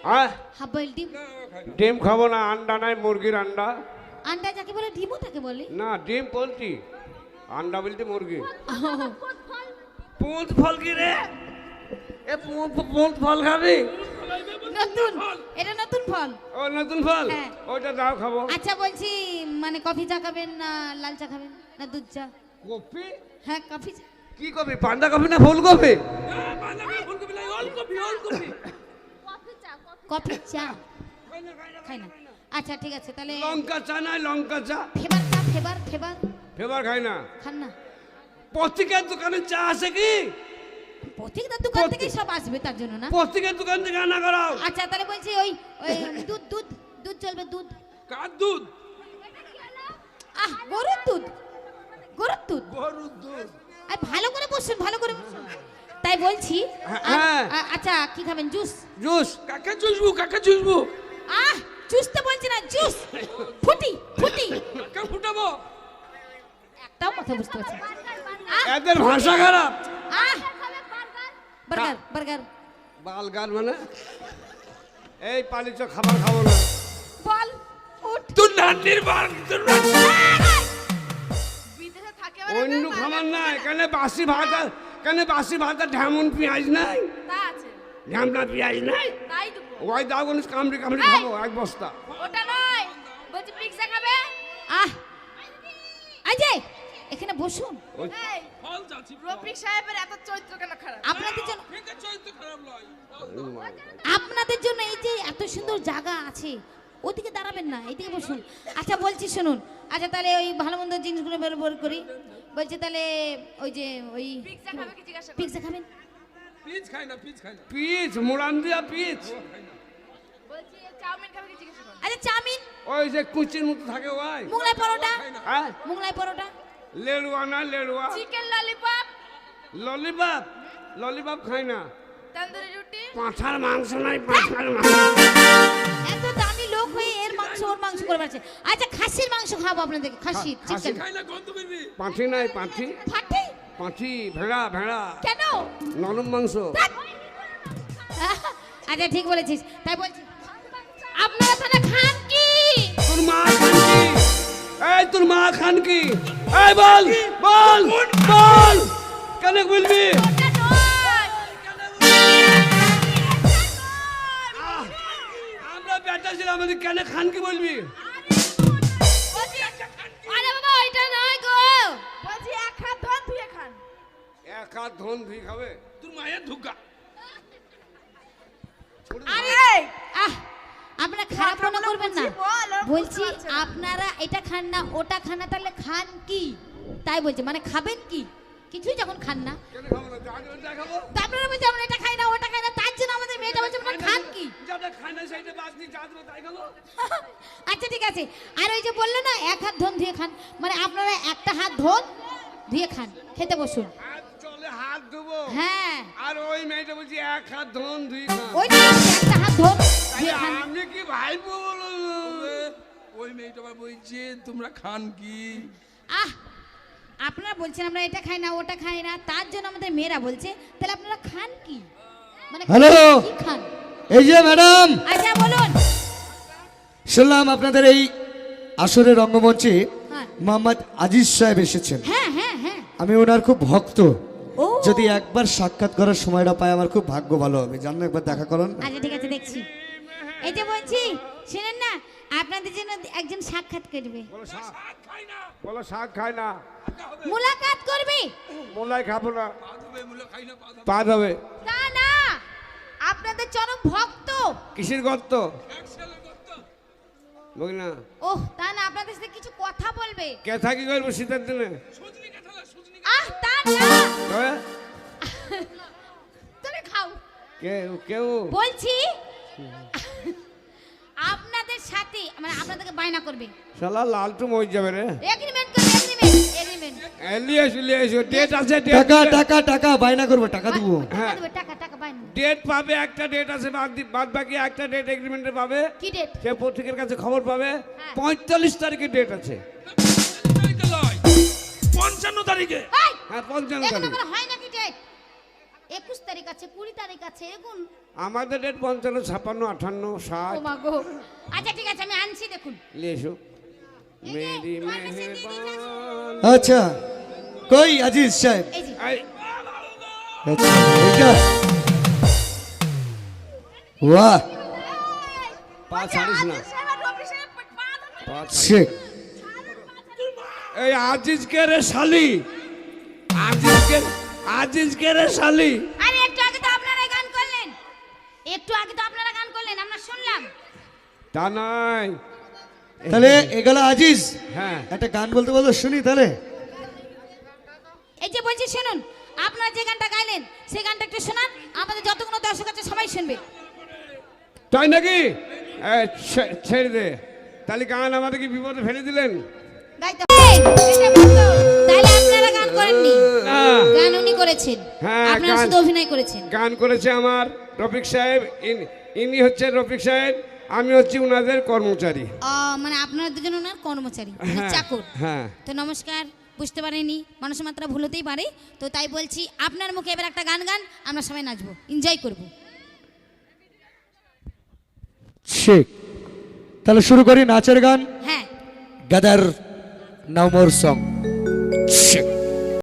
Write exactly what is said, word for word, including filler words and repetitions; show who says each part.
Speaker 1: হ্যাঁ
Speaker 2: half boil ডিম।
Speaker 1: ডিম খাবো না, আন্ডা নাই, মুরগির আন্ডা।
Speaker 2: আন্ডা যাকে বলে ডিমও তাকে বলে
Speaker 1: না ডিম বলছি, আন্ডা বলতে মুরগি।
Speaker 3: পুঁত ফল কি রে? এ পুঁত ফল খাবি?
Speaker 2: নতুন, এটা নতুন ফল।
Speaker 1: ও নতুন ফল,
Speaker 2: হ্যাঁ।
Speaker 1: ওইটা দাও খাবো।
Speaker 2: আচ্ছা বলছি মানে কফি চা খাবেন না লাল চা খাবেন না দুধ চা?
Speaker 1: কফি?
Speaker 2: হ্যাঁ কফি চা।
Speaker 1: কি কফি? পান্ডা কফি না ফুলকপি?
Speaker 2: কফি চা খাই না। আচ্ছা ঠিক আছে তাহলে
Speaker 1: লঙ্কা চা নাই, লঙ্কা চা।
Speaker 2: ফেবার চা, ফেবার ফেবার
Speaker 1: ফেবার খাই না।
Speaker 2: খান না?
Speaker 1: পত্রিকার দোকানে চা আছে কি?
Speaker 2: প্রত্যেকটা দোকান থেকে সব আসবে তার জন্য না।
Speaker 1: পত্রিকার দোকান থেকে আনা করাও।
Speaker 2: আচ্ছা তাহলে বলছি ওই ওই দুধ দুধ দুধ চলবে দুধ।
Speaker 3: কার দুধ?
Speaker 2: আহ গরুর দুধ, গরুর দুধ।
Speaker 3: গরুর দুধ।
Speaker 2: আর ভালো করে বসুন, ভালো করে বসুন। তাই বলছি
Speaker 1: হ্যাঁ।
Speaker 2: আ- আচ্ছা কি খাবেন? জুস?
Speaker 1: জুস?
Speaker 3: কাকে চুষবো কাকে চুষবো?
Speaker 2: আহ জুস তো বলছি না, জুস। ফুটি ফুটি।
Speaker 3: কাকে ফুটাবো?
Speaker 2: একটাও কথা বুঝতে পারছি না। আহ,
Speaker 1: এদের ভাষা খারাপ।
Speaker 2: আহ বার্গার বার্গার
Speaker 1: বালগার মানে এই পালিত খাবার খাবো না।
Speaker 2: বল উঠ।
Speaker 3: তোর নান্নির বাল তোর
Speaker 2: বিদেশে থাকে
Speaker 1: অন্য খাবার নাই। কেন বাসি ভাত আর- কেন বাসি ভাত আর ঢেমন পেঁয়াজ নাই?
Speaker 2: তা আছে,
Speaker 1: ঢেমনা পেঁয়াজ নাই?
Speaker 2: তাই দেবো।
Speaker 1: ওই দাও কোন কামড়ি কামড়ি খাবো এক বস্তা।
Speaker 2: ওটা নয়, বলছি পিৎজা খাবে? আহ আজে এখানে বসুন।
Speaker 1: ওই
Speaker 3: ফল যাচ্ছি
Speaker 4: রফিক সাহেবের এত চরিত্র কেন খারাপ?
Speaker 2: আপনাদের জন্য
Speaker 3: এটা চরিত্র খারাপ নয়।
Speaker 2: আপনাদের জন্য এই যে এত সুন্দর জায়গা আছে, ওদিকে দাঁড়াবেন না, এইদিকে বসুন। আচ্ছা বলছি শুনুন, আচ্ছা তাহলে ওই ভালো মন্দ জিনিসগুলো বের বের করি। বলছি তাহলে ওই যে ওই
Speaker 4: পিৎজা খাবে কি জিজ্ঞাসা করো?
Speaker 2: পিৎজা খাবেন?
Speaker 3: পিচ খাই না পিচ খাই না।
Speaker 1: পিচ মুড়ান দিয়া পিচ।
Speaker 4: বলছি চাউমিন খাবে কি জিজ্ঞাসা করো?
Speaker 2: আচ্ছা চাউমিন,
Speaker 1: ওই যে কুচির মতো থাকে ওই।
Speaker 2: মোগলাই পরোটা,
Speaker 1: হ্যাঁ
Speaker 2: মোগলাই পরোটা,
Speaker 1: লেড়ুয়া না লেড়ুয়া।
Speaker 4: Chicken lollipop,
Speaker 1: lollipop? ললিপপ খাই না।
Speaker 4: তন্দুরি রুটি,
Speaker 1: পাঁঠার মাংস নাই, পাঁঠার মাংস।
Speaker 2: এত দামি লোক হয়ে এর মাংস ওর মাংস করে পারছে। আচ্ছা খাসির মাংস খাবো আপনাদেরকে, খাসি
Speaker 1: খাসি
Speaker 2: চিকেন।
Speaker 3: খাই না গন্ধ বেরবি।
Speaker 1: পাঁঠি নাই, পাঁঠি
Speaker 2: ফাটে
Speaker 1: পাঁঠি ভেড়া ভেড়া
Speaker 2: কেন?
Speaker 1: নরম মাংস।
Speaker 2: আচ্ছা ঠিক বলেছিস, তাই বলছি আপনারা তাহলে খান কি?
Speaker 1: তোর মা খান কি? এই তোর মা খান কি? এই বল বল বল, কেন বলবি?
Speaker 4: ওটা নয়।
Speaker 1: আমরা বেটা ছিলাম, আমাদের কেন খান কি বলবি?
Speaker 4: বলছি
Speaker 2: আরে বাবা ওইটা নয় গো।
Speaker 4: বলছি এক হাত ধোন ধুয়ে খান।
Speaker 1: এক হাত ধন ধুই খাবে?
Speaker 3: তোর মায়ের ধুকা।
Speaker 2: আরে আহ আপনারা খারাপ মনে করবেন না।
Speaker 4: বুঝি বল, ওর
Speaker 2: বলছি
Speaker 4: বুঝতে পারছে না।
Speaker 2: আপনারা এটা খান না ওটা খান না, তাহলে খান কি? তাই বলছি মানে খাবেন কি? কিছুই যখন খান না,
Speaker 1: কেন খাবো না? যা যা খাবো।
Speaker 2: তা আপনারা বলছেন আমরা এটা খাই না ওটা খাই না, তার জন্য আমাদের মেয়েটা বলছে আপনারা খান কি?
Speaker 1: যেটা খাই না সেইটা বাদ দিয়ে যা দেবো তাই খাবো।
Speaker 2: আচ্ছা ঠিক আছে। আর ওই যে বললে না এক হাত ধন ধুয়ে খান, মানে আপনারা একটা হাত ধন ধুয়ে খান, খেতে বসুন।
Speaker 1: হাত চলে হাত ধুবো।
Speaker 2: হ্যাঁ
Speaker 1: আর ওই মেয়েটা বলছি এক হাত ধন ধুই খান।
Speaker 2: ওই যে একটা হাত ধন
Speaker 1: তাহলে
Speaker 2: ধুয়ে খান।
Speaker 1: আমি কি ভাইবো বলো?
Speaker 3: ওই মেয়েটা আবার বলছে তোমরা খান কি?
Speaker 2: আহ আপনারা বলছেন আমরা এটা খাই না ওটা খাই না, তার জন্য আমাদের মেয়েরা বলছে তাহলে আপনারা খান কি? মানে
Speaker 5: হ্যালো।
Speaker 2: কি খান?
Speaker 5: এই যে ম্যাডাম,
Speaker 2: আচ্ছা বলুন।
Speaker 5: শুনলাম আপনাদের এই আসরের রঙ্গমঞ্চে
Speaker 2: হ্যাঁ
Speaker 5: মোহাম্মদ আজিজ সাহেব এসেছেন।
Speaker 2: হ্যাঁ হ্যাঁ হ্যাঁ
Speaker 5: আমি ওনার খুব ভক্ত।
Speaker 2: ও
Speaker 5: যদি একবার সাক্ষাৎ করার সময়টা পাই আমার খুব ভাগ্য ভালো হবে। জানো একবার দেখা করুন।
Speaker 2: আচ্ছা ঠিক আছে দেখছি। এই যে বলছি শুনেন না, আপনাদের জন্য একজন সাক্ষাৎ করবে,
Speaker 1: বলো শাক
Speaker 3: শাক খাই না।
Speaker 1: বলো শাক খাই না,
Speaker 2: মুলাকাত করবে।
Speaker 1: মোলাই খাবো না,
Speaker 3: পা ধুবে মুলো খাই না পা ধুবে।
Speaker 1: পা ধবে।
Speaker 2: তা না, আপনাদের চরম ভক্ত।
Speaker 1: কিসের গর্ত?
Speaker 3: এক ছেলে করত।
Speaker 1: বুঝলি না?
Speaker 2: ওহ তা না, আপনাদের সাথে কিছু কথা বলবে।
Speaker 1: কে থাকি করবো শীতের দিনে?
Speaker 3: সুজনি কাঁঠাল সুজনি
Speaker 2: আহ তা না,
Speaker 1: হ্যাঁ?
Speaker 2: তুমি খাও।
Speaker 1: কে কেউ?
Speaker 2: বলছি আপনাদের সাথে মানে আপনাদেরকে বায়না করবে,
Speaker 1: শালা লালটু মরে যাবে রে।
Speaker 2: এগ্রিমেন্ট করবে, এগ্রিমেন্ট এগ্রিমেন্ট।
Speaker 1: লিয়ে এসো লিয়ে এসো, ডেট আছে, ডেট
Speaker 5: টাকা টাকা টাকা বায়না করবো, টাকা দেবো।
Speaker 1: হ্যাঁ।
Speaker 2: দেবে টাকা টাকা বায়না।
Speaker 1: ডেট পাবে, একটা ডেট আছে, বাদ দি- বাদ বাকি একটা ডেট এগ্রিমেন্টে পাবে।
Speaker 2: কি ডেট?
Speaker 1: সে পত্রিকার কাছে খবর পাবে।
Speaker 2: হ্যাঁ।
Speaker 1: পঁয়তাল্লিশ তারিখে ডেট আছে।
Speaker 3: তারিখে লয়। পঞ্চান্ন তারিখে।
Speaker 2: এই
Speaker 1: হ্যাঁ পঞ্চান্ন
Speaker 2: এখন
Speaker 1: তারিখ।
Speaker 2: আমার হয় নাকি ডেট? একুশ তারিখ আছে, কুড়ি তারিখ আছে, এগুন।
Speaker 1: আমাদের ডেট পঞ্চান্ন ছাপ্পান্ন আটান্ন
Speaker 2: ও
Speaker 1: ষাট
Speaker 2: মা গো। আচ্ছা ঠিক আছে, আমি আনছি দেখুন।
Speaker 1: নিয়ে এসো।
Speaker 2: এই যে,
Speaker 1: মেরি
Speaker 2: তোমার কাছে দিয়ে দিয়েছে।
Speaker 1: মেহরবান।
Speaker 5: আচ্ছা কই আজিজ সাহেব?
Speaker 2: এই যে,
Speaker 1: এই,
Speaker 5: আচ্ছা, এইটা বাহ
Speaker 1: পা ছাড়িস না।
Speaker 4: সাহেব রবি সাহেব পা ধরে
Speaker 1: পা ছাড়িস।
Speaker 5: শেখ
Speaker 1: এই আজিজকে রে শালি, আজিজকে আজিজকে রে শালি।
Speaker 2: আরে একটু আগে তো আপনারা গান করলেন, একটু আগে তো আপনারা গান করলেন, আমরা শুনলাম।
Speaker 1: তা নয়।
Speaker 5: তাহলে এগুলো আজিজ
Speaker 1: হ্যাঁ
Speaker 5: একটা গান বলতে বলো শুনি তাহলে।
Speaker 2: এই যে বলছি শুনুন, আপনারা যে গানটা গাইলেন সেই গানটা একটু শোনান, আমাদের যতগুলো দর্শক আছে সবাই শুনবে।
Speaker 1: তাই নাকি? এই, ছে- ছেড়ে দে। তাহলে গান আমাদের কি বিপদে ফেলে দিলেন?
Speaker 2: গাইতে হবে। এটা বলতো। তাহলে আপনারা গান করেননি,
Speaker 1: না,
Speaker 2: গান উনি করেছেন,
Speaker 1: হ্যাঁ,
Speaker 2: আপনারা
Speaker 1: গান-
Speaker 2: শুধু অভিনয় করেছেন।
Speaker 1: গান করেছে আমার রফিক সাহেব। ইন- ইনি হচ্ছে রফিক সাহেব, আমি হচ্ছি উনাদের কর্মচারী।
Speaker 2: আহ, মানে আপনারা দুজন ওনার কর্মচারী, মানে
Speaker 1: হ্যাঁ,
Speaker 2: চাকর।
Speaker 1: হ্যাঁ।
Speaker 2: তো নমস্কার, বুঝতে পারেনি, মানুষের মাত্রা ভুল হতেই পারে, তো তাই বলছি আপনার মুখে এবার একটা গান গান, আমরা সবাই নাচবো, এনজয় করবো।
Speaker 5: শেখ তাহলে শুরু করি নাচের গান।
Speaker 2: হ্যাঁ,
Speaker 5: গাদার নাও মোর সং শেখ।